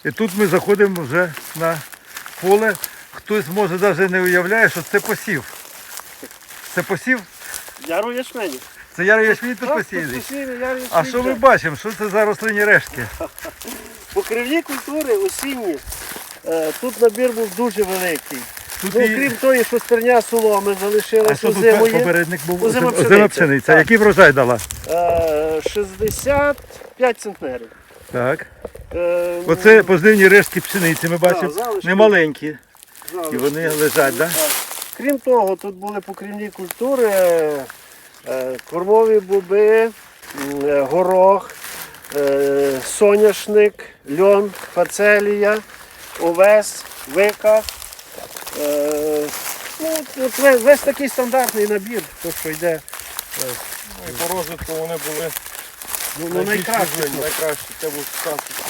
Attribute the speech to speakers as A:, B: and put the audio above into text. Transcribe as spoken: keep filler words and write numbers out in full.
A: І тут ми заходимо вже на поле. Хтось може навіть не уявляє, що це посів. Це посів?
B: Яру ячмені.
A: Це ярий ячмінь тут
B: Так,
A: посіяний.
B: тут посіяний ярий ячмінь,
A: А що ми
B: так.
A: бачимо? Що це за рослинні рештки?
B: Покривні культури осінні. Е, Тут набір був дуже великий.
A: Тут
B: Ну,
A: і-
B: крім того, що стерня соломи
A: А
B: залишилася
A: що тут
B: зимою.
A: попередник був?
B: Озима
A: Озима
B: пшениця.
A: пшениця.
B: Так.
A: Який врожай дала?
B: Е, шістдесят п'ять центнерів.
A: Так.
B: Е,
A: Оце позивні рештки пшениці ми бачимо.
B: залишки.
A: Немаленькі.
B: залишки.
A: І вони лежать, так?
B: Так. Крім того, тут були покривні культури, е, е, кормові боби, м, е, горох, е, соняшник, льон, фацелія, овес, вика. Е, ну, от весь, весь такий стандартний набір, то, що йде.
C: Ну, і по розвитку вони були
B: Ну, ну,
C: найбільш
B: найкраще.
C: можливі, найкраще. Це був шанс